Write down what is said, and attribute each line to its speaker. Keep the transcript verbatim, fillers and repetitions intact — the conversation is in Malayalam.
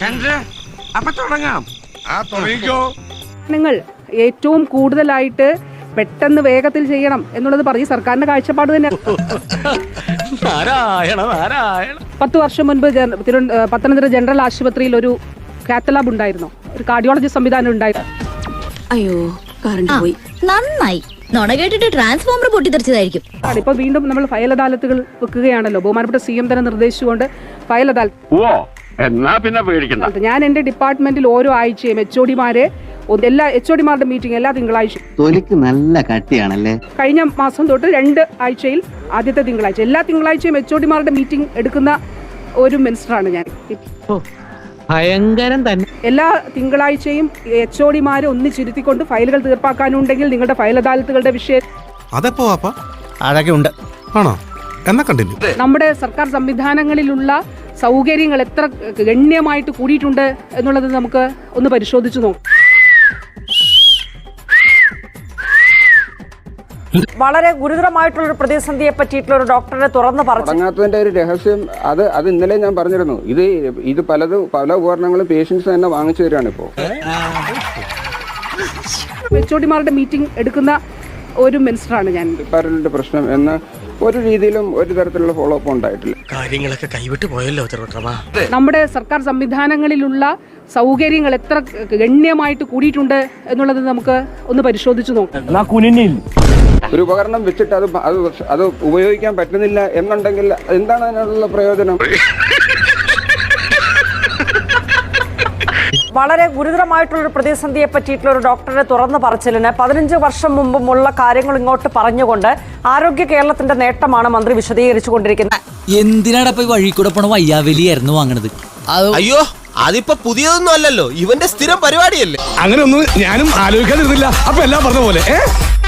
Speaker 1: അപ്പൊ തുടങ്ങാം.
Speaker 2: ആ തുടങ്ങിക്കോ.
Speaker 3: നിങ്ങൾ ഏറ്റവും കൂടുതലായിട്ട് പെട്ടെന്ന് വേഗത്തിൽ ചെയ്യണം എന്നുള്ളത് പറഞ്ഞ് സർക്കാരിന്റെ കാഴ്ചപ്പാട് തന്നെ. പത്ത് വർഷം മുൻപ് പത്തനംതിട്ട ജനറൽ ആശുപത്രിയിൽ ഒരു കാത്തലാബ് ഉണ്ടായിരുന്നു, ഒരു കാർഡിയോളജി സംവിധാനം ഉണ്ടായിരുന്നു.
Speaker 4: അയ്യോ കറണ്ട് പോയി. നന്നായി. നോണ കേട്ടിട്ട് ട്രാൻസ്ഫോമർ പൊട്ടിത്തെറിച്ചതായിരിക്കും.
Speaker 3: ഇപ്പൊ വീണ്ടും നമ്മൾ ഫയൽ അദാലത്തുകൾ വെക്കുകയാണല്ലോ. ബഹുമാനപ്പെട്ട സി എം തന്നെ നിർദ്ദേശിച്ചുകൊണ്ട് ഫയൽ അദാലത്ത് ഞാൻ എന്റെ ഡിപ്പാർട്ട്മെന്റിൽ ഓരോ ആഴ്ചയും എച്ച് ഒ ഡിമാരെ എല്ലാ എച്ച് ഒ ഡിമാരുടെ മീറ്റിംഗ് എല്ലാ തിങ്കളാഴ്ചയും.
Speaker 5: തൊലിക്ക് നല്ല കട്ടിയാണല്ലേ.
Speaker 3: കഴിഞ്ഞ മാസം തൊട്ട് രണ്ട് ആഴ്ചയിൽ ആദ്യത്തെ തിങ്കളാഴ്ച എല്ലാ തിങ്കളാഴ്ചയും എച്ച് ഒ ഡിമാരുടെ മീറ്റിംഗ് എടുക്കുന്ന ഒരു മിനിസ്റ്ററാണ് ഞാൻ.
Speaker 6: ഭയങ്കരം തന്നെ.
Speaker 3: എല്ലാ തിങ്കളാഴ്ചയും എച്ച് ഒ ഡിമാരെ ഒന്നിച്ചിരുത്തിക്കൊണ്ട് ഫയലുകൾ തീർപ്പാക്കാനുണ്ടെങ്കിൽ നിങ്ങളുടെ ഫയൽ അദാലത്തുകളുടെ വിഷയം
Speaker 7: അതെപ്പോ അതൊക്കെ ഉണ്ട് ആണോ എന്നാ കണ്ടിന്യൂ.
Speaker 3: നമ്മുടെ സർക്കാർ സംവിധാനങ്ങളിലുള്ള സൗകര്യങ്ങൾ എത്ര ഗണ്യമായിട്ട് കൂടിയിട്ടുണ്ട് എന്നുള്ളത് നമുക്ക് ഒന്ന് പരിശോധിച്ചു നോക്കാം.
Speaker 8: വളരെ ഗുരുതരമായിട്ടുള്ള പ്രതിസന്ധിയെ പറ്റിയിട്ടുള്ള ഒരു ഡോക്ടറെ തുറന്നു
Speaker 9: പറഞ്ഞതിന്റെ ഒരു രഹസ്യം അത് അത് ഇന്നലെ ഞാൻ പറഞ്ഞിരുന്നു. ഇത് ഇത് പലതും പല ഉപകരണങ്ങളും പേഷ്യൻസ് തന്നെ വാങ്ങിച്ചു തരാണ് ഇപ്പോ.
Speaker 3: എച്ച് ഒ ഡിമാരുടെ മീറ്റിംഗ് എടുക്കുന്ന ഒരു മിനിസ്റ്ററാണ് ഞാൻ.
Speaker 9: ഡിപ്പാർട്ട്മെന്റ് പ്രശ്നം എന്ന ഒരു രീതിയിലും ഒരു തരത്തിലുള്ള ഫോളോ അപ്പ് ഉണ്ടായിട്ടില്ല.
Speaker 1: കാര്യങ്ങളൊക്കെ കൈവിട്ട് പോയല്ലോ.
Speaker 3: നമ്മുടെ സർക്കാർ സംവിധാനങ്ങളിലുള്ള സൗകര്യങ്ങൾ എത്ര ഗണ്യമായിട്ട് കൂടിയിട്ടുണ്ട് എന്നുള്ളത് നമുക്ക് ഒന്ന് പരിശോധിച്ചു നോക്കാം.
Speaker 9: ഒരു ഉപകരണം വെച്ചിട്ട് അത് അത് അത് ഉപയോഗിക്കാൻ പറ്റുന്നില്ല എന്നുണ്ടെങ്കിൽ എന്താണ് അതിനുള്ള പ്രയോജനം?
Speaker 8: വളരെ ഗുരുതരമായിട്ടുള്ള ഒരു പ്രതിസന്ധിയെ പറ്റിയിട്ടുള്ള ഒരു ഡോക്ടറെ തുറന്നു പറച്ചിലിന് പതിനഞ്ച് വർഷം മുമ്പുമുള്ള കാര്യങ്ങൾ ഇങ്ങോട്ട് പറഞ്ഞുകൊണ്ട് ആരോഗ്യ കേരളത്തിന്റെ നേട്ടമാണ് മന്ത്രി വിശദീകരിച്ചുകൊണ്ടിരിക്കുന്നത്.
Speaker 10: എന്തിനാടപ്പോ വഴി കൂടെ പോണ വയ്യാവലിയായിരുന്നു വാങ്ങണത്?
Speaker 1: അയ്യോ അതിപ്പോ പുതിയതൊന്നും അല്ലല്ലോ, ഇവന്റെ സ്ഥിരം പരിപാടിയല്ലേ.
Speaker 2: അങ്ങനെ ഒന്നും ഞാനും ആലോചിക്കാതിരുന്നില്ല. അപ്പൊ എല്ലാം പറഞ്ഞ പോലെ.